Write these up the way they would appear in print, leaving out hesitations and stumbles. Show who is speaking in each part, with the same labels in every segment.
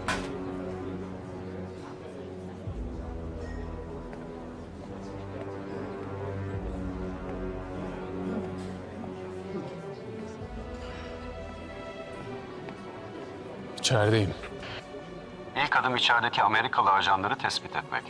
Speaker 1: İçerideyim.
Speaker 2: İlk adım içerideki Amerikalı ajanları tespit etmek.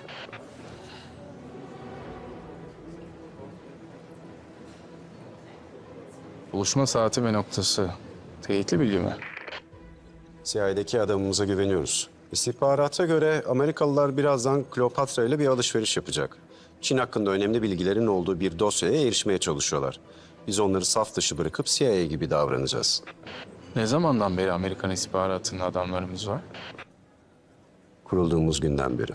Speaker 1: Buluşma saati ve noktası. Teyitli bilgi mi?
Speaker 3: CIA'deki adamımıza güveniyoruz. İstihbarata göre Amerikalılar birazdan Kleopatra ile bir alışveriş yapacak. Çin hakkında önemli bilgilerin olduğu bir dosyaya erişmeye çalışıyorlar. Biz onları saf dışı bırakıp CIA gibi davranacağız.
Speaker 1: Ne zamandan beri Amerikan istihbaratında adamlarımız var?
Speaker 3: Kurulduğumuz günden beri.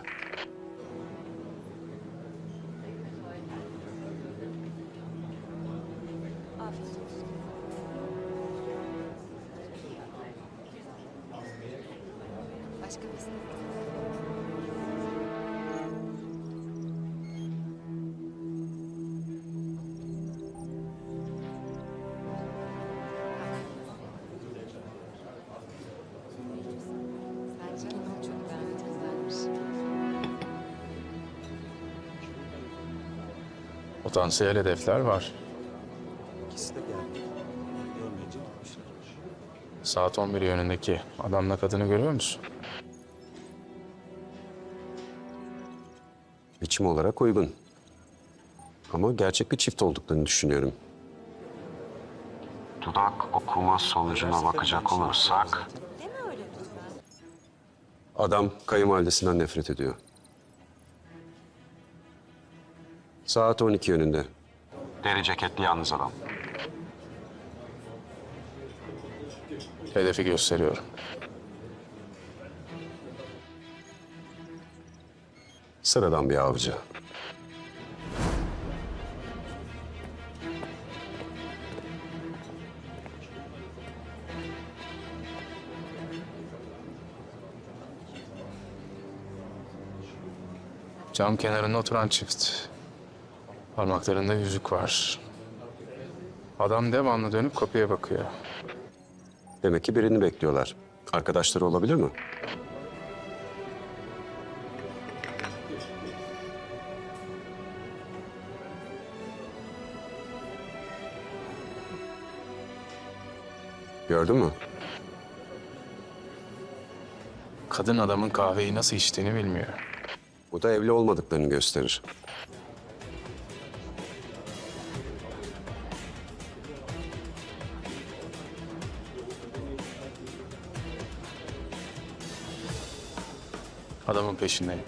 Speaker 4: Başka bir isim. Bence onu çok beğendilermiş.
Speaker 1: Potansiyel hedefler var.
Speaker 3: İkisi de geldi. Görmeyince gitmişler.
Speaker 1: Saat 11 yönündeki adamla kadını görüyor musun?
Speaker 3: Biçim olarak uygun. Ama gerçek bir çift olduklarını düşünüyorum.
Speaker 2: Dudak okuma sonucuna bakacak olursak...
Speaker 4: Deme öyle lütfen.
Speaker 3: Adam kayınvalidesinden nefret ediyor. Saat 12 yönünde.
Speaker 2: Deri ceketli yalnız adam.
Speaker 1: Hedefi gösteriyorum.
Speaker 3: Sıradan bir avcı.
Speaker 1: Cam kenarında oturan çift. Parmaklarında yüzük var. Adam devamlı dönüp kapıya bakıyor.
Speaker 3: Demek ki birini bekliyorlar. Arkadaşları olabilir mi? Gördün mü?
Speaker 1: Kadın adamın kahveyi nasıl içtiğini bilmiyor.
Speaker 3: Bu da evli olmadıklarını gösterir.
Speaker 1: Adamın peşindeyim.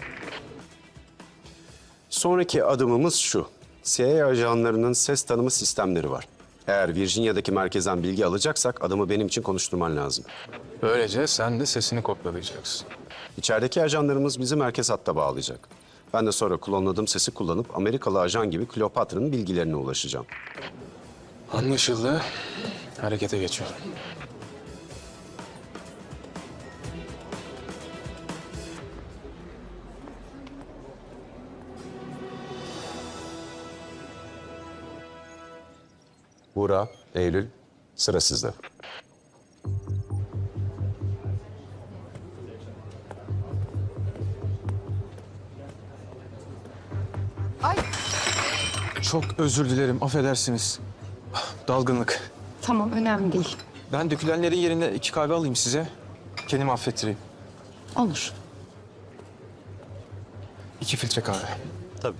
Speaker 3: Sonraki adımımız şu. CIA ajanlarının ses tanıma sistemleri var. Eğer Virginia'daki merkezden bilgi alacaksak adamı benim için konuşturman lazım.
Speaker 1: Böylece sen de sesini kopyalayacaksın.
Speaker 3: İçerideki ajanlarımız bizi merkez hatta bağlayacak. Ben de sonra klonladığım sesi kullanıp Amerikalı ajan gibi Kleopatra'nın bilgilerine ulaşacağım.
Speaker 1: Anlaşıldı. Harekete geçiyorum.
Speaker 3: Buğra, Eylül, sıra sizde.
Speaker 5: Çok özür dilerim, affedersiniz. Dalgınlık.
Speaker 6: Tamam, önemli değil.
Speaker 5: Ben dökülenlerin yerine 2 kahve alayım size. Kendimi affettireyim.
Speaker 6: Olur.
Speaker 5: 2 filtre kahve.
Speaker 3: Tabii.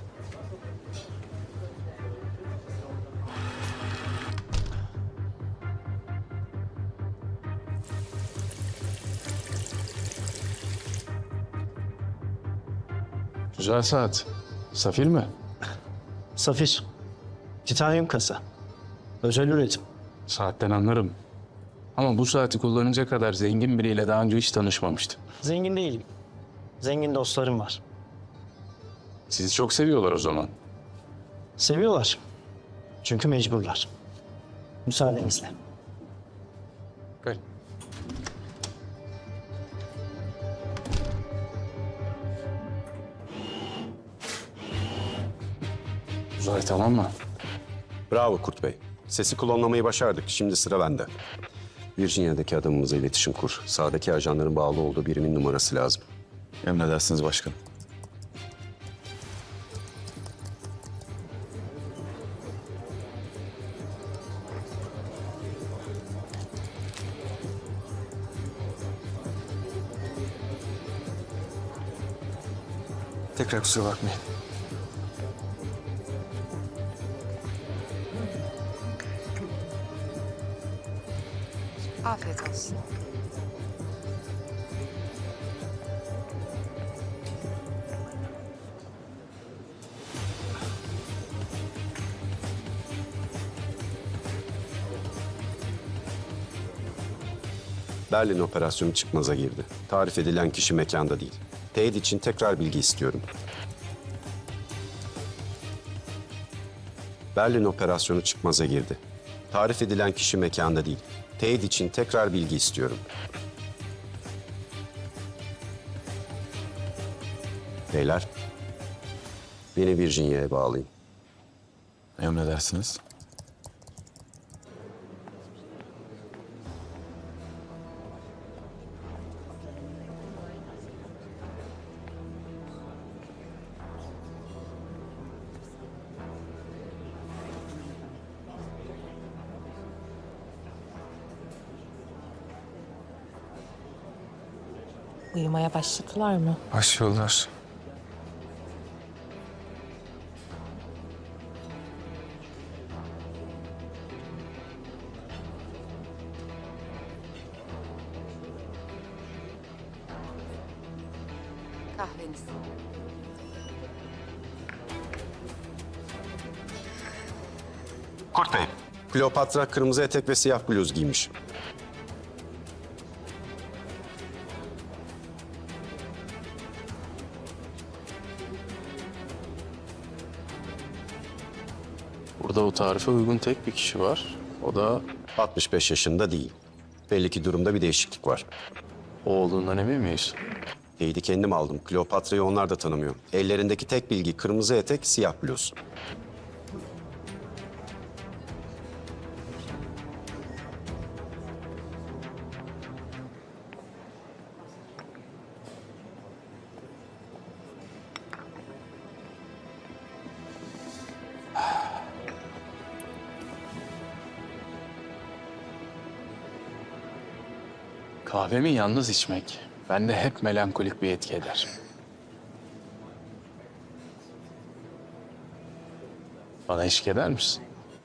Speaker 1: Güzel saat. Safir mi?
Speaker 7: Safir. Titanyum kasa. Özel üretim.
Speaker 1: Saatten anlarım. Ama bu saati kullanacak kadar zengin biriyle daha önce hiç tanışmamıştım.
Speaker 7: Zengin değilim. Zengin dostlarım var.
Speaker 1: Sizi çok seviyorlar o zaman.
Speaker 7: Seviyorlar. Çünkü mecburlar. Müsaadenizle.
Speaker 1: Gel. Uzay tamam mı?
Speaker 3: Bravo Kurt Bey. Sesi klonlamayı başardık. Şimdi sıra bende. Virginia'daki adamımıza iletişim kur. Sağdaki ajanların bağlı olduğu birimin numarası lazım.
Speaker 5: Emredersiniz başkanım. Tekrar kusura bakmayın.
Speaker 4: Afiyet olsun.
Speaker 3: Berlin operasyonu çıkmaza girdi. Tarif edilen kişi mekanda değil. Teyit için tekrar bilgi istiyorum. Berlin operasyonu çıkmaza girdi. Tarif edilen kişi mekanda değil. Teyit için tekrar bilgi istiyorum. Beyler, beni Virginia'ya bağlayın.
Speaker 5: Emredersiniz.
Speaker 8: Uyumaya başladılar mı?
Speaker 1: Başlıyorlar.
Speaker 4: Kahveniz.
Speaker 2: Kurt Bey,
Speaker 3: Kleopatra kırmızı etek ve siyah bluz giymiş.
Speaker 1: Burada o tarife uygun tek bir kişi var. O da
Speaker 3: 65 yaşında değil. Belli ki durumda bir değişiklik var.
Speaker 1: o olduğundan emin miyiz?
Speaker 3: Teyidi kendim aldım. Kleopatra'yı onlar da tanımıyor. Ellerindeki tek bilgi kırmızı etek, siyah bluz.
Speaker 1: Kahvemi yalnız içmek bende hep melankolik bir etki eder. Bana eşlik eder misin?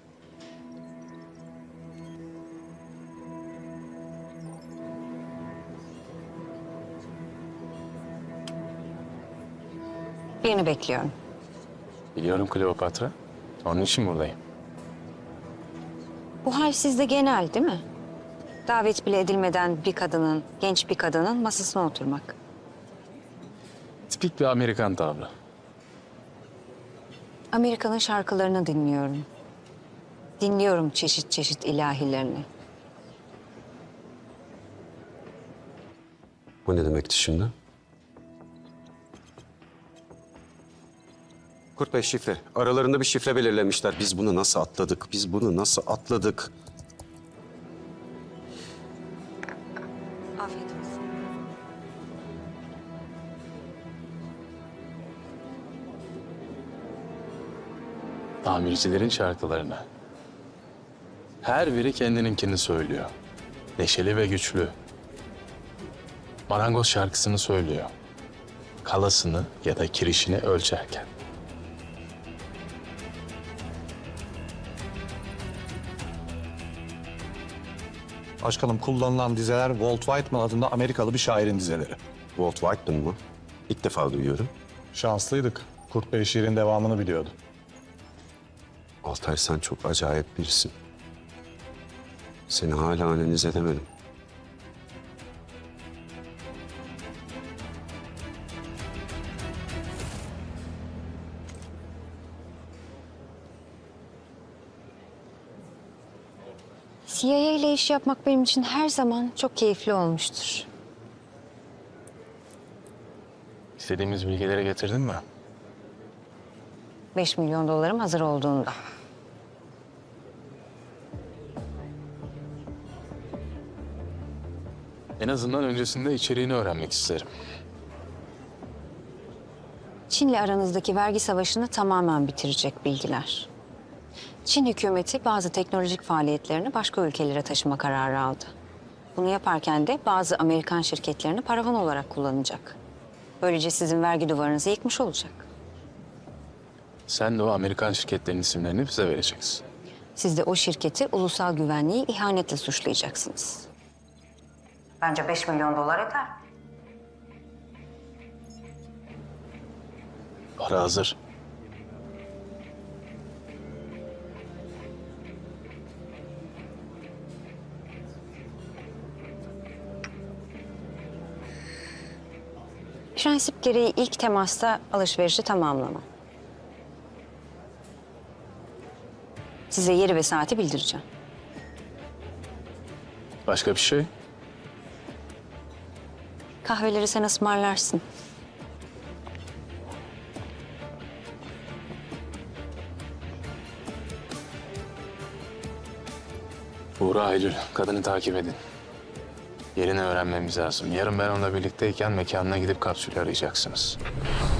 Speaker 4: Birini bekliyorum.
Speaker 1: Biliyorum Kleopatra. Onun için buradayım.
Speaker 4: Bu hal sizde genel değil mi? Davet bile edilmeden bir kadının, genç bir kadının masasına oturmak.
Speaker 1: Tipik bir Amerikan tavrı.
Speaker 4: Amerika'nın şarkılarını dinliyorum. Dinliyorum çeşit çeşit ilahilerini.
Speaker 3: Bu ne demekti şimdi? Kurt Bey şifre. Aralarında bir şifre belirlemişler. Biz bunu nasıl atladık? Biz bunu nasıl atladık?
Speaker 4: Afiyet olsun.
Speaker 1: Tamircilerin şarkılarını. Her biri kendininkini söylüyor. Neşeli ve güçlü. Marangoz şarkısını söylüyor. Kalasını ya da kirişini ölçerken.
Speaker 9: Başkanım kullanılan dizeler Walt Whitman adında Amerikalı bir şairin dizeleri.
Speaker 3: Walt Whitman mı? İlk defa duyuyorum.
Speaker 9: Şanslıydık. Kurt Bey şiirin devamını biliyordu.
Speaker 3: Altay sen çok acayip birisin. Seni hala analiz edemedim.
Speaker 4: CIA ile iş yapmak benim için her zaman çok keyifli olmuştur.
Speaker 1: İstediğimiz bilgileri getirdin mi?
Speaker 4: 5 milyon dolarım hazır olduğunda.
Speaker 1: En azından öncesinde içeriğini öğrenmek isterim.
Speaker 4: Çin'le aranızdaki vergi savaşını tamamen bitirecek bilgiler. Çin hükümeti bazı teknolojik faaliyetlerini başka ülkelere taşıma kararı aldı. Bunu yaparken de bazı Amerikan şirketlerini paravan olarak kullanacak. Böylece sizin vergi duvarınızı yıkmış olacak.
Speaker 1: Sen de o Amerikan şirketlerinin isimlerini bize vereceksin.
Speaker 4: Siz de o şirketi ulusal güvenliği ihanetle suçlayacaksınız. Bence 5 milyon dolar eder.
Speaker 1: Para hazır.
Speaker 4: Prensip gereği ilk temasta alışverişi tamamlama. Size yeri ve saati bildireceğim.
Speaker 1: Başka bir şey?
Speaker 4: Kahveleri sen ısmarlarsın.
Speaker 1: Buğra, Aylül, kadını takip edin. Yerini öğrenmemiz lazım. Yarın ben onunla birlikteyken mekanına gidip kapsülü arayacaksınız.